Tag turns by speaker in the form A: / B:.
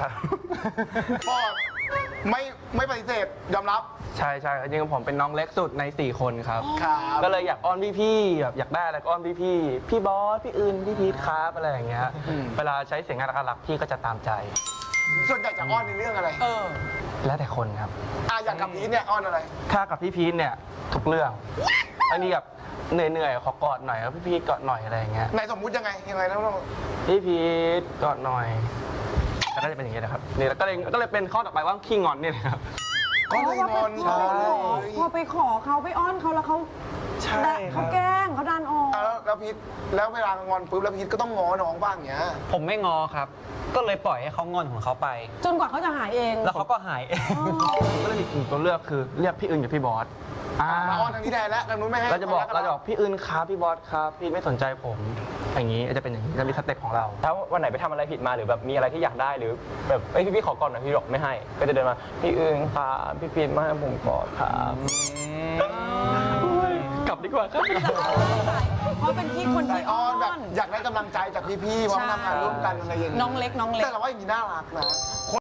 A: ครับ
B: ฟอร์ดไม่ปฏิเสธยอมรับ
A: ใช่ใช่จริงๆผมเป็นน้องเล็กสุดใน4คนครับ
B: ครับ
A: ก็เลยอยากอ้อนพี่ๆแบบอยากได้อะไรก็อ้อนพี่ๆพี่บอสพี่อื่นพี่พีทครับอะไรอย่างเงี้ยเวลาใช้เสียงน่ารักๆพี่ก็จะตามใจ
B: ส่วนใหญ่จะอ้อนในเรื่องอะไร
A: แล้วแต่คนครับ
B: อย่างกับพีทเนี่ยอ้อนอะไร
A: ถ้ากับพี่พีทเนี่ยทุกเรื่องบางทีแบบเหนื่อยๆขอกอดหน่อยแล้วพี่พีทกอดหน่อยอะไรอย่างเงี้ย
B: ในสมมุติยังไงนะน้อง
A: พี่พีทกอดหน่อยแล้วก็จะเป็นอย่างเงี้ยนะครับนี่แล้วก็เลยเป็นข้อต่อไปว่าขี้งอนเนี่ยนะครับ
B: ก็เลยงอน
A: ใช่
C: พอไปขอเขาไปอ้อนเขาแล้วเขา
A: ใช่ครั
C: เขา
A: บ
C: แกล้งเขาดันออก
B: แล้วพีทแล้วเวลางอนปุ๊บแล้วพีทก็ต้องง้อน้องบ้างอย่างเงี้ย
D: ผมไม่งอครับ ก็เลยปล่อยให้เขางอนของเขาไป
C: จนกว่าเขาจะหายเอง
D: แล้วเขาก็หายเอง
A: ก็เลยมีกลุ่มตัวเลือกคือเรียกพี่อื่นกับพี่บอส
B: มาอ้อนทางนี้แทนแล้วทางนู้นไม่ให้
A: เราจะบอกพี่อื่นครับพี่บอสครับพี่ไม่สนใจผม อย่างนี้จะเป็นอย่างนี้จะมีสเต็ปของเรา
E: ถ้าวันไหนไปทำอะไรผิดมาหรือแบบมีอะไรที่อยากได้หรือแบบพี่ขอก่อนหน่อยพี่บอกไม่ให้ ก็จะเดินมาพี่อื่นครับพี่พีทมาให้ผมก่อนครับ
A: กลับดีกว่าครับ
C: เพราะเป็นที่คน
B: ใจ
C: ที่
B: อ้อนแบบอยากได้กำลังใจจากพี่ๆมาทำงานร่วมกันอะไรอย่างเงี้ย
C: น้องเล็ก
B: แต่เราว่าอย่างนี้น่ารักนะ